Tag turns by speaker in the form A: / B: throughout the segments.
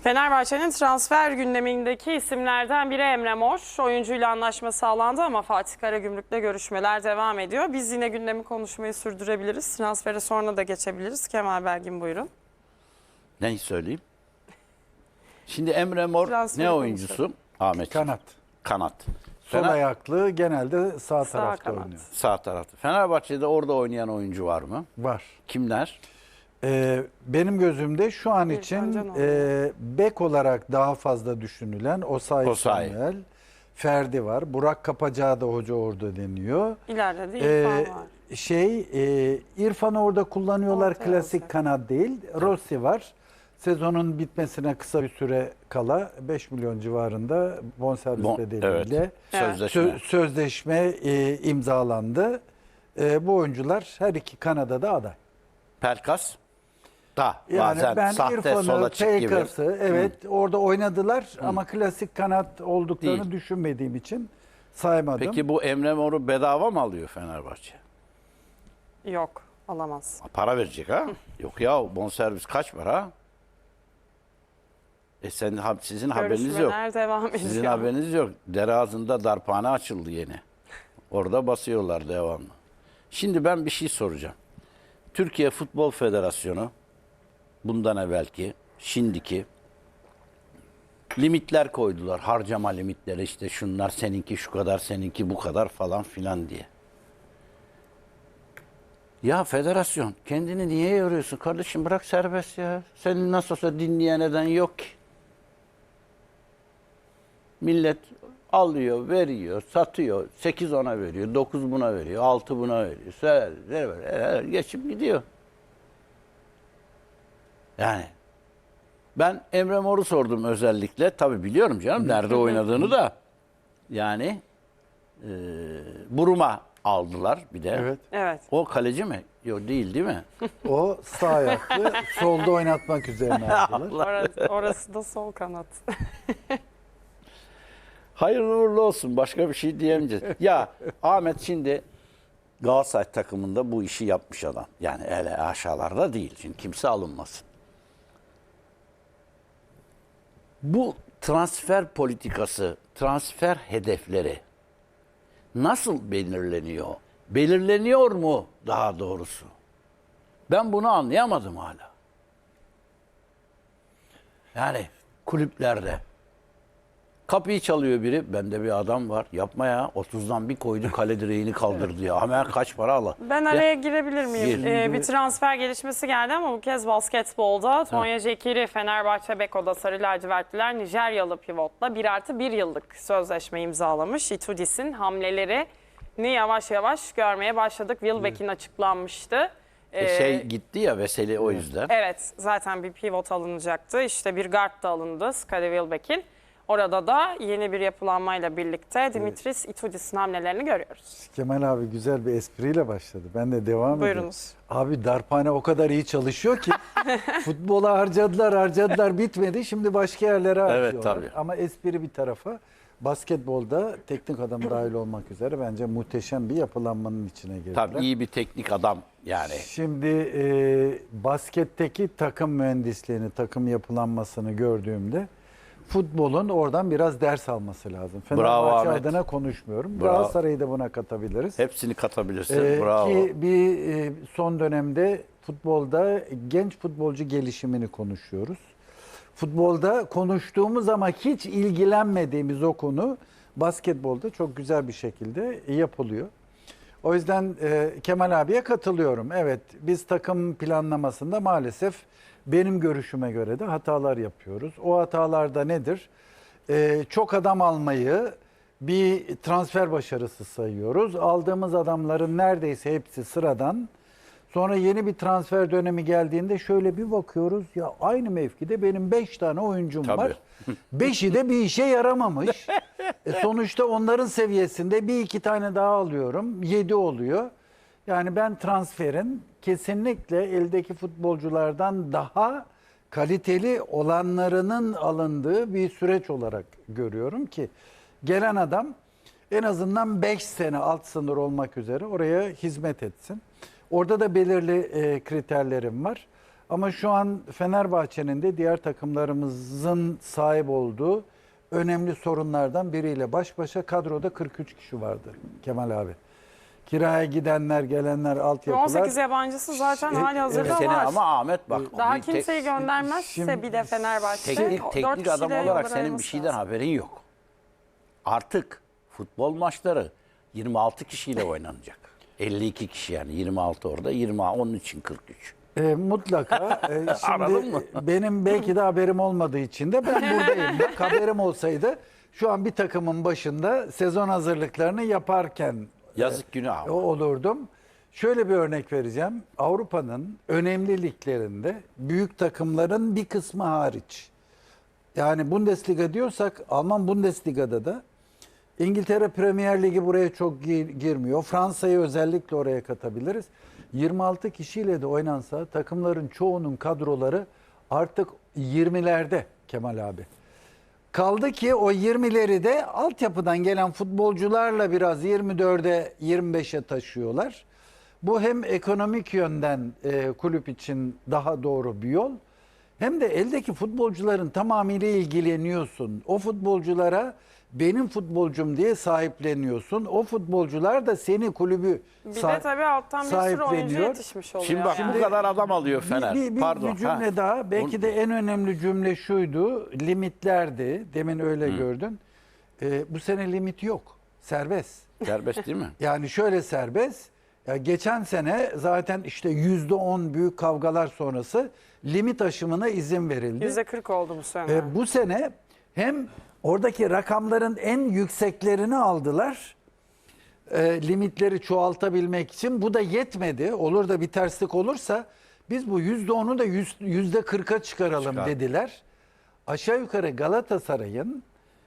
A: Fenerbahçe'nin transfer gündemindeki isimlerden biri Emre Mor. Oyuncuyla anlaşma sağlandı ama Fatih Karagümrük'le görüşmeler devam ediyor. Biz yine gündemi konuşmayı sürdürebiliriz. Transfere sonra da geçebiliriz. Kemal Belgin buyurun.
B: Neyi söyleyeyim? Şimdi Emre Mor
A: Transferi
B: ne oyuncusu? Ahmet.
C: Kanat.
B: Kanat.
C: Sol ayaklı genelde sağ tarafta
A: kanat.
C: oynuyor.
B: Sağ tarafta. Fenerbahçe'de orada oynayan oyuncu var mı?
C: Var.
B: Kimler?
C: Benim gözümde şu an
A: İrfan
C: için
A: Can
C: bek olarak daha fazla düşünülen Osayi
B: Osayi.
C: Samuel, Ferdi var. Burak Kapacağı da hoca orada deniyor.
A: İleride de İrfan var.
C: İrfan'ı orada kullanıyorlar,
A: Ortaya
C: klasik
A: olacak.
C: kanat değil. Rossi var. Sezonun bitmesine kısa bir süre kala 5 milyon civarında bonservis bedeliyle
B: Evet. Sözleşme.
C: sözleşme imzalandı. Bu oyuncular her iki kanada da aday.
B: Pelkas da
C: Yani
B: bazen
C: ben
B: sahte sola
C: İrfan'ı,
B: çık gibi.
C: Pelkas'ı evet orada oynadılar ama klasik kanat olduklarını
B: Değil.
C: düşünmediğim için saymadım.
B: Peki bu Emre Mor'u bedava mı alıyor Fenerbahçe?
A: Yok, alamaz.
B: Para verecek ha? Yok ya, bonservis kaç para? Sizin haberiniz yok.
A: Görüşmeler devam ediyor.
B: Sizin haberiniz yok. Dere ağzında darphane açıldı yeni. Orada basıyorlar devamlı. Şimdi ben bir şey soracağım. Türkiye Futbol Federasyonu bundan evvelki, şimdiki limitler koydular. Harcama limitleri, işte şunlar seninki şu kadar, seninki bu kadar falan filan diye. Ya federasyon kendini niye yoruyorsun kardeşim, bırak serbest ya. Senin nasıl olsa dinleyen eden yok ki. Millet alıyor, veriyor, satıyor. 8 ona veriyor, 9 buna veriyor, 6 buna veriyor. Geçip gidiyor. Yani ben Emre Mor'u sordum özellikle. Tabii biliyorum canım nerede oynadığını da. Yani Buruma aldılar bir de.
C: Evet.
A: Evet.
B: O kaleci mi? Yok değil mi?
C: O sağ ayaklı solda oynatmak üzerine aldılar.
A: Orası da sol kanat.
B: Hayırlı uğurlu olsun. Başka bir şey diyemeyeceğiz. Ya Ahmet şimdi Galatasaray takımında bu işi yapmış adam. Yani öyle aşağılarda değil. Şimdi kimse alınmasın. Bu transfer politikası, transfer hedefleri nasıl belirleniyor? Belirleniyor mu daha doğrusu? Ben bunu anlayamadım hala. Yani kulüplerde kapıyı çalıyor biri. Bende bir adam var. Yapma ya. 30'dan bir koydu, kale direğini kaldırdı ya. Hemen kaç para al.
A: Ben araya girebilir miyim?
B: Gir.
A: Bir transfer gelişmesi geldi ama bu kez basketbolda. Tonya Cekiri, Fenerbahçe Beko'da Sarı Lacivertliler Nijeryalı pivotla 1+1 yıllık sözleşme imzalamış. Itudis'in hamlelerini yavaş yavaş görmeye başladık. Wilbeck'in açıklanmıştı.
B: Gitti ya Veseli o yüzden.
A: Evet, zaten bir pivot alınacaktı. İşte bir guard da alındı Skade Wilbeck'in. Orada da yeni bir yapılanmayla birlikte Dimitris Itudis'in hamlelerini görüyoruz.
C: Kemal abi güzel bir espriyle başladı. Ben de devam edeyim.
A: Buyurunuz.
C: Abi darphane o kadar iyi çalışıyor ki futbola harcadılar bitmedi. Şimdi başka yerlere harcıyorlar.
B: Evet, tabii.
C: Ama espri bir tarafa, basketbolda teknik adam dahil olmak üzere bence muhteşem bir yapılanmanın içine girdiler.
B: Tabii iyi bir teknik adam yani.
C: Şimdi basketteki takım mühendisliğini, takım yapılanmasını gördüğümde futbolun oradan biraz ders alması lazım.
B: Bravo
C: Fenerbahçe
B: Ahmet.
C: adına konuşmuyorum.
B: Bravo.
C: Galatasaray'ı da buna katabiliriz.
B: Hepsini katabilirsin. Bravo.
C: Ki son dönemde futbolda genç futbolcu gelişimini konuşuyoruz. Futbolda konuştuğumuz ama hiç ilgilenmediğimiz o konu basketbolda çok güzel bir şekilde yapılıyor. O yüzden Kemal abiye katılıyorum. Evet, biz takım planlamasında maalesef benim görüşüme göre de hatalar yapıyoruz. O hatalarda nedir? Çok adam almayı bir transfer başarısı sayıyoruz. Aldığımız adamların neredeyse hepsi sıradan. Sonra yeni bir transfer dönemi geldiğinde şöyle bir bakıyoruz. Ya aynı mevkide benim 5 tane oyuncum
B: Tabii.
C: var. 5'i de bir işe yaramamış. Sonuçta onların seviyesinde bir iki tane daha alıyorum. 7 oluyor. Yani ben transferin kesinlikle eldeki futbolculardan daha kaliteli olanlarının alındığı bir süreç olarak görüyorum ki gelen adam en azından 5 sene alt sınır olmak üzere oraya hizmet etsin. Orada da belirli kriterlerim var. Ama şu an Fenerbahçe'nin de diğer takımlarımızın sahip olduğu önemli sorunlardan biriyle baş başa kadroda 43 kişi vardı Kemal abi. Kiraya gidenler, gelenler, altyapılar.
A: 18 yabancısı zaten hali hazırda
B: Sene
A: var.
B: ama Ahmet bak.
A: Daha
B: bir
A: kimseyi göndermezse
C: Şimdi
A: bir de Fenerbahçe.
B: teknik
A: dört
B: adam
A: kişiyle
B: olarak
A: yolları
B: senin bir
A: ayırması
B: şeyden
A: lazım.
B: haberin yok. Artık futbol maçları 26 kişiyle oynanacak. 52 kişi yani 26 orada, 20 onun için 43.
C: Mutlaka.
B: Anladın
C: Şimdi
B: mı?
C: benim belki de haberim olmadığı için de ben buradayım. Bak haberim olsaydı şu an bir takımın başında sezon hazırlıklarını yaparken
B: Yazık günah.
C: olurdum. Şöyle bir örnek vereceğim. Avrupa'nın önemli liglerinde büyük takımların bir kısmı hariç. Yani Bundesliga diyorsak Alman Bundesliga'da da İngiltere Premier Ligi buraya çok girmiyor. Fransa'yı özellikle oraya katabiliriz. 26 kişiyle de oynansa takımların çoğunun kadroları artık 20'lerde Kemal abi. Kaldı ki o 20'leri de altyapıdan gelen futbolcularla biraz 24'e 25'e taşıyorlar. Bu hem ekonomik yönden kulüp için daha doğru bir yol. Hem de eldeki futbolcuların tamamıyla ilgileniyorsun. O futbolculara benim futbolcum diye sahipleniyorsun. O futbolcular da seni kulübü
A: Bir de tabii alttan bir sürü oyuncu yetişmiş oluyor.
B: Şimdi bak
A: yani.
B: bu kadar adam alıyor Fener.
C: Bir
B: Pardon.
C: cümle daha. Belki de en önemli cümle şuydu. Limitlerdi. Demin öyle gördün. Bu sene limit yok. Serbest.
B: Serbest değil mi?
C: Yani şöyle serbest. Ya geçen sene zaten işte %10 büyük kavgalar sonrası limit aşımına izin verildi.
A: %40 oldu bu sene.
C: Bu sene hem oradaki rakamların en yükseklerini aldılar. Limitleri çoğaltabilmek için. Bu da yetmedi. Olur da bir terslik olursa biz bu %10'u da %40'a çıkaralım dediler. Aşağı yukarı Galatasaray'ın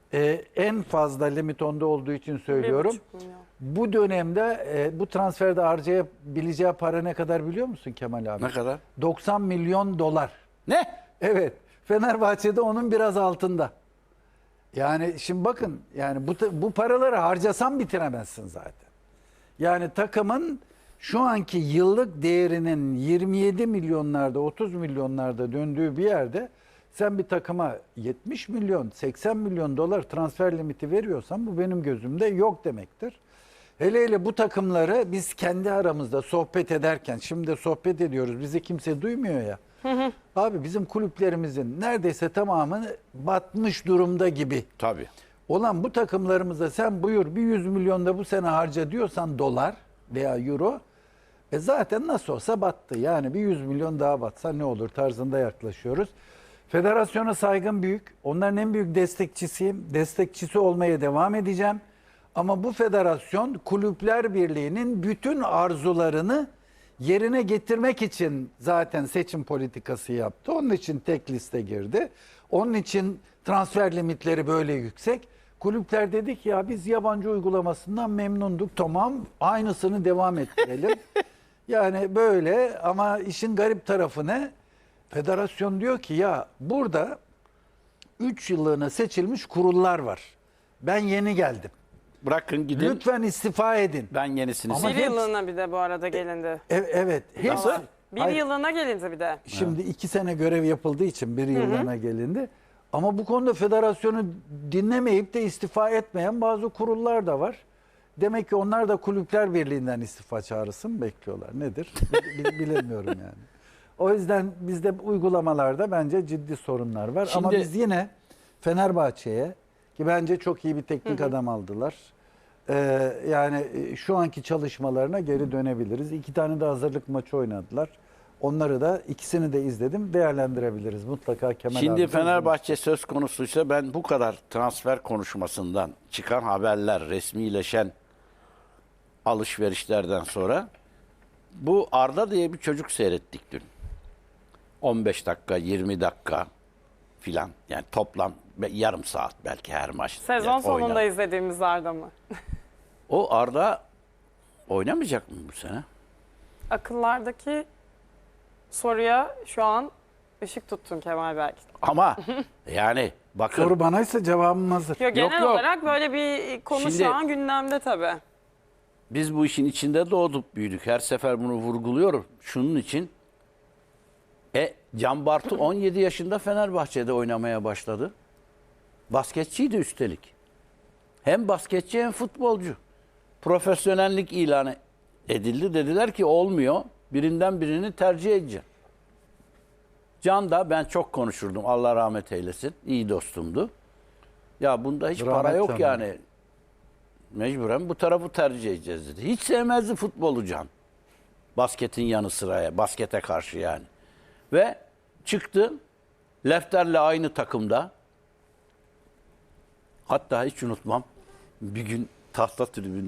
C: en fazla limit onda olduğu için söylüyorum.
A: 1,5 milyon.
C: Bu dönemde bu transferde harcayabileceği para ne kadar biliyor musun Kemal abi?
B: Ne kadar?
C: 90 milyon dolar.
B: Ne?
C: Evet. Fenerbahçe'de onun biraz altında. Yani şimdi bakın yani bu paraları harcasan bitiremezsin zaten. Yani takımın şu anki yıllık değerinin 27 milyonlarda 30 milyonlarda döndüğü bir yerde sen bir takıma 70 milyon 80 milyon dolar transfer limiti veriyorsan bu benim gözümde yok demektir. Hele hele bu takımları biz kendi aramızda sohbet ederken şimdi de sohbet ediyoruz bizi kimse duymuyor ya. Abi bizim kulüplerimizin neredeyse tamamı batmış durumda gibi.
B: Tabii.
C: Olan bu takımlarımıza sen buyur bir 100 milyon da bu sene harca diyorsan dolar veya euro zaten nasıl olsa battı. Yani bir 100 milyon daha batsa ne olur tarzında yaklaşıyoruz. Federasyona saygım büyük. Onların en büyük destekçisiyim. Destekçisi olmaya devam edeceğim. Ama bu federasyon Kulüpler Birliği'nin bütün arzularını yerine getirmek için zaten seçim politikası yaptı. Onun için tek liste girdi. Onun için transfer limitleri böyle yüksek. Kulüpler dedi ki ya biz yabancı uygulamasından memnunduk. Tamam aynısını devam ettirelim. Yani böyle ama işin garip tarafı ne? Federasyon diyor ki ya burada 3 yıllığına seçilmiş kurullar var. Ben yeni geldim.
B: Bırakın gidin.
C: Lütfen istifa edin.
B: Ben yenisini
C: Ama
A: Bir
C: hepsi-
A: yıllığına bir de bu arada gelindi.
C: Evet.
B: Nasıl?
A: Bir
C: Hayır.
A: yıllığına gelindi bir de.
C: Şimdi 2 sene görev yapıldığı için bir yıllığına gelindi. Ama bu konuda federasyonu dinlemeyip de istifa etmeyen bazı kurullar da var. Demek ki onlar da Kulüpler Birliği'nden istifa çağrısı mı bekliyorlar? Nedir? Bilemiyorum yani. O yüzden bizde uygulamalarda bence ciddi sorunlar var. Ama
B: Şimdi-
C: biz yine Fenerbahçe'ye ki bence çok iyi bir teknik adam aldılar. Yani şu anki çalışmalarına geri dönebiliriz. 2 tane de hazırlık maçı oynadılar. Onları da ikisini de izledim. Değerlendirebiliriz. Mutlaka Kemal
B: Şimdi
C: abi de
B: Fenerbahçe söz konusuysa ben bu kadar transfer konuşmasından çıkan haberler, resmileşen alışverişlerden sonra bu Arda diye bir çocuk seyrettik dün. 15 dakika, 20 dakika filan. Yani toplam yarım saat belki her maç.
A: Sezon
B: Yani
A: sonunda
B: oynar.
A: izlediğimiz Arda mı?
B: O Arda oynamayacak mı bu sene?
A: Akıllardaki soruya şu an ışık tuttun Kemal belki.
B: Ama yani bakın
C: Soru banaysa cevabım hazır.
A: Yok, genel
B: yok.
A: olarak böyle bir konu
B: Şimdi-
A: şu an gündemde tabii.
B: biz bu işin içinde doğduk büyüdük. Her sefer bunu vurguluyorum. Şunun için Can Bartu 17 yaşında Fenerbahçe'de oynamaya başladı. Basketçiydi üstelik. Hem basketçi hem futbolcu. Profesyonellik ilanı edildi. Dediler ki olmuyor. Birinden birini tercih edeceğim. Can da ben çok konuşurdum. Allah rahmet eylesin. İyi dostumdu. Ya bunda hiç para
C: Rahmet
B: yok
C: canım.
B: yani. Mecburen bu tarafı tercih edeceğiz dedi. Hiç sevmezdi futbolu Can. Basketin yanı sıraya. Baskete karşı yani. Ve çıktı. Lefter'le aynı takımda. Hatta hiç unutmam. Bir gün tahta tribünde